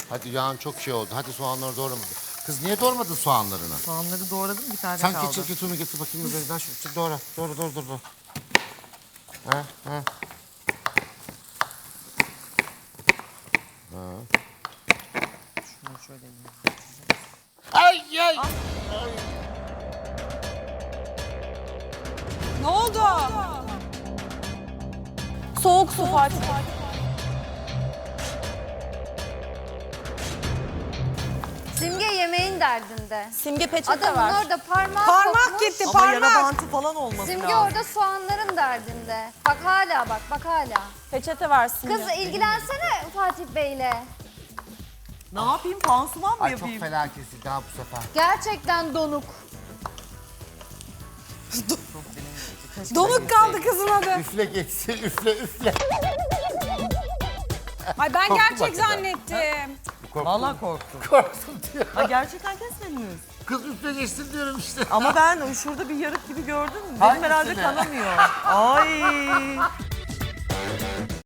Hadi yağın çok şey oldu. Hadi soğanları doğrama. Kız niye doğramadın soğanlarını? Soğanları doğradım, bir tane Sen kaldı. keçi ketunu getir bakayım üzerinden. Şu doğra. Doğra. Ha. Şunu şöyle yapayım. Ay. Ne oldu? Soğuk su Fatih. Simge yemeğin derdinde. Simge peçete Adamın var. orada parmağı Parmak kopmuş. gitti Ama yara parmak. bantı falan olması Simge lazım. orada soğanların derdinde. Bak hala bak hala. Peçete var Simge. Kız ilgilensene Fatih Bey'le. Ne yapayım, pansuman mı Ay çok yapayım? fena kesildi ha bu sefer. Gerçekten donuk. Donuk kaldı kızın adı. Üfle geçsin üfle. Ay ben Korktum gerçek hakikaten. zannettim. Vallahi korktum. Korktum diyor. Ha, gerçekten kesmediniz. Kız üfle geçsin diyorum işte. Ama ben şurada bir yarık gibi gördüm. Dedim Hangisini? herhalde kanamıyor. Ay.